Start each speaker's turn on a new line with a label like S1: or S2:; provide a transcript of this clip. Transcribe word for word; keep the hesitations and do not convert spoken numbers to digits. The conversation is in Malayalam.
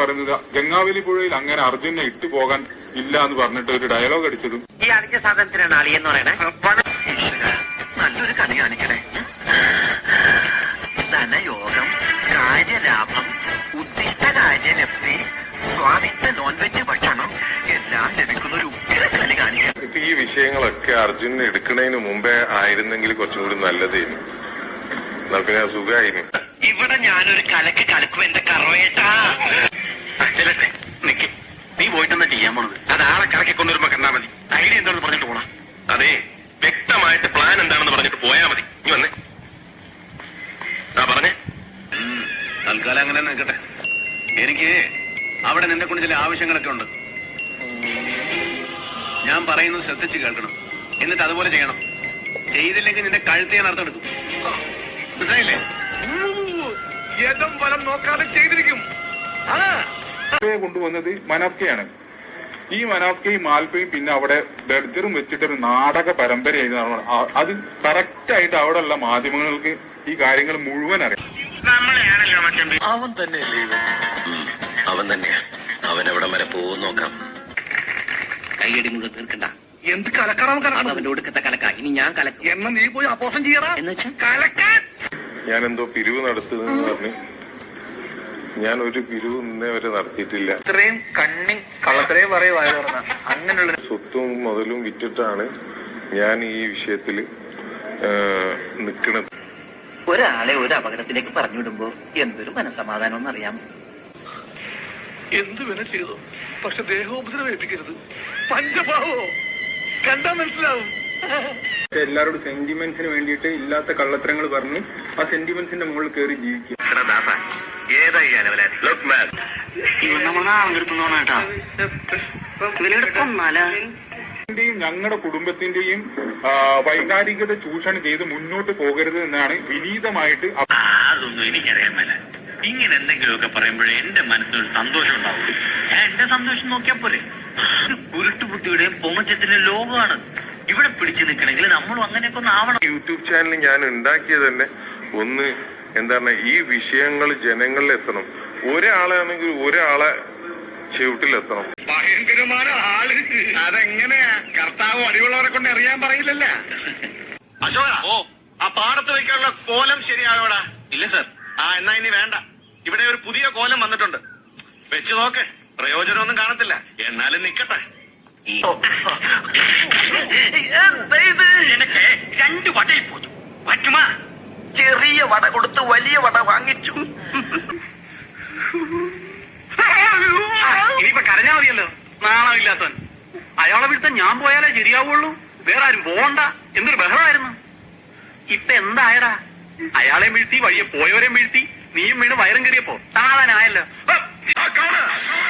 S1: പറയുന്നത് ഗംഗാവലി പുഴയിൽ അങ്ങനെ അർജുനെ ഇട്ടു പോകാൻ ഇല്ല എന്ന് പറഞ്ഞിട്ട് ഒരു ഡയലോഗ് അടിച്ചതും
S2: ഈ അടിച്ച സാധനത്തിനാണ് അളിയെന്ന് പറയണേ. നല്ലൊരു കണി കാണിക്കണേ. ധനയോഗം, കാര്യലാഭം, ഉദ്ദിഷ്ട കാര്യലബ്ധി, സ്വാദിഷ്ട നോൺ വെജ് ഭക്ഷണം എല്ലാം ലഭിക്കുന്ന ഒരു ഉഗ്ര കണി കാണിക്കണം.
S3: ഇപ്പൊ ഈ വിഷയങ്ങളൊക്കെ അർജുൻ എടുക്കുന്നതിന് മുമ്പേ ആയിരുന്നെങ്കിൽ കുറച്ചും കൂടി നല്ലതായിരുന്നു. എന്നാൽ പിന്നെ സുഖമായിരുന്നു.
S2: ഇവിടെ ഞാനൊരു കലക്ക് കലക്കും എന്റെ കറവേട്ടാ. ചെല്ലട്ടെ, നിക്ക്. നീ പോയിട്ടെന്താ ചെയ്യാൻ പോണത്? അത് ആളെ കറക്കി കൊണ്ടുവരുമ്പോ കണ്ടാ മതി. ഐഡിയ എന്താണെന്ന് പറഞ്ഞിട്ട് പോണ.
S4: അതെ, വ്യക്തമായിട്ട് പ്ലാൻ എന്താണെന്ന് പറഞ്ഞിട്ട് പോയാ മതി. നീ വന്നേ. ആ പറഞ്ഞേ.
S5: തൽക്കാലം അങ്ങനെ നിൽക്കട്ടെ. എനിക്ക് അവിടെ നിന്നെ കൊണ്ട് ചില ആവശ്യങ്ങളൊക്കെ ഉണ്ട്. ഞാൻ പറയുന്നത് ശ്രദ്ധിച്ച് കേൾക്കണം. എന്നിട്ട് അതുപോലെ ചെയ്യണം. ചെയ്തില്ലെങ്കിൽ നിന്റെ കഴുത്ത് ഞാൻ അർത്ഥമെടുക്കും. മനസ്സിലായില്ലേ? യഥം ഫലം നോക്കാതെ ചെയ്തിരിക്കും.
S1: കൊണ്ടുവന്നത് മനാഫ്കയാണ്. ഈ മനാഫ്കയും മാൽപ്പയും പിന്നെ അവിടെ ബെർജറും വെച്ചിട്ടൊരു നാടക പരമ്പരയായിരുന്നു. അത് കറക്റ്റ് ആയിട്ട് അവിടെയുള്ള മാധ്യമങ്ങൾക്ക് ഈ കാര്യങ്ങൾ മുഴുവൻ അറിയാം.
S5: അവൻ തന്നെയല്ലേ അവൻ തന്നെയാ. അവൻ എവിടെ വരെ പോകും നോക്കാം.
S2: കൈയടി മുഴുവൻ തീർക്കണ്ട.
S5: എന്ത് കലക്കണം
S2: അത് അവന്റെ ഒടുക്കത്തെ കലക്ക. ഇനി ഞാൻ കലക്കും.
S5: എന്നാ നീ പോയി അപ്പോഷം ചെയ്യണം
S2: എന്ന് വെച്ചാൽ
S5: കലക്കാൻ.
S3: ഞാൻ എന്തോ പിരിവ് നടത്തുന്നെന്ന് പറഞ്ഞ് ഞാൻ ഒരു പിരിവ് ഇന്നേ വരെ നടത്തിയിട്ടില്ല.
S5: ഇത്രയും കണ്ണി കള്ളത്രയും പറയുവായ അങ്ങനെയുള്ള
S3: സ്വത്തും മുതലും വിറ്റിട്ടാണ് ഞാൻ ഈ വിഷയത്തില് നിൽക്കുന്നത്.
S2: ഒരാളെ ഒരു അപകടത്തിലേക്ക് പറഞ്ഞുവിടുമ്പോ എന്തൊരു മനസ്സമാധാനം എന്നറിയാം.
S5: എന്ത് വേണം ചെയ്തു, പക്ഷെ ദേഹോപദ്രവം ഏൽപ്പിക്കരുത്. പഞ്ചഭാവോ കണ്ടാ മനസ്സിലാവും.
S1: എല്ലാവരോടും സെന്റിമെന്റ്സിന് വേണ്ടിയിട്ട് ഇല്ലാത്ത കള്ളത്തരങ്ങൾ പറഞ്ഞ് ആ സെന്റിമെന്റ്സിന്റെ മുകളിൽ കയറി ജീവിക്കുക. ഞങ്ങളുടെ കുടുംബത്തിന്റെയും വൈകാരികത ചൂഷണം ചെയ്ത് മുന്നോട്ട് പോകരുത് എന്നാണ് വിനീതമായിട്ട്.
S6: അതൊന്നും എനിക്കറിയാൻ മേല. ഇങ്ങനെ എന്തെങ്കിലുമൊക്കെ പറയുമ്പോഴേ എന്റെ മനസ്സിനൊരു സന്തോഷം ഉണ്ടാവും. ഞാൻ എന്റെ സന്തോഷം നോക്കിയാ പോരെ. ഇത് കുരുട്ടുബുദ്ധിയുടെയും പൊങ്ങച്ചത്തിന്റെയും ലോകമാണ്. ഇവിടെ പിടിച്ചു നിൽക്കണമെങ്കിൽ നമ്മളും അങ്ങനെയൊക്കെ ഒന്ന് ആവണം.
S3: യൂട്യൂബ് ചാനൽ ഞാൻ ഉണ്ടാക്കിയത് തന്നെ ഒന്ന് എന്താണ്, ഈ വിഷയങ്ങൾ ജനങ്ങളിൽ എത്തണം. ഒരാളാണെങ്കിൽ ഒരാളെ ചുവട്ടിലെത്തണം.
S5: ഭയങ്കരമായ ആള്. അതെങ്ങനെയാ കർത്താവ് അടിയുള്ളവരെ കൊണ്ട് അറിയാൻ പറയില്ലല്ല.
S4: അശോക, ഓ ആ പാടത്ത് വയ്ക്കാനുള്ള കോലം ശരിയായോടാ?
S6: ഇല്ല സർ.
S4: ആ എന്നാ ഇനി വേണ്ട. ഇവിടെ ഒരു പുതിയ കോലം വന്നിട്ടുണ്ട്. വെച്ച് നോക്ക്. പ്രയോജനമൊന്നും കാണത്തില്ല. എന്നാലും നിക്കട്ടെ.
S6: എനിക്ക് രണ്ട് വടയിൽ പോയി പറ്റുമാ.
S2: ചെറിയ വട കൊടുത്ത് വലിയ വട വാങ്ങിച്ചു.
S5: ഇനിയിപ്പൊ കരഞ്ഞാ മതിയല്ലോ. നാണോ ഇല്ലാത്തവൻ. അയാളെ വിടുത്ത ഞാൻ പോയാലേ ശരിയാവുള്ളൂ. വേറെ ആരും പോകണ്ട. എന്തൊരു ബഹളമായിരുന്നു. ഇപ്പൊ എന്തായടാ? അയാളെ വീഴ്ത്തി, വഴിയെ പോയവരെ വീഴ്ത്തി, നീയും വീണ് വയറും കയറിയപ്പോ സമാധാനമായല്ലോ.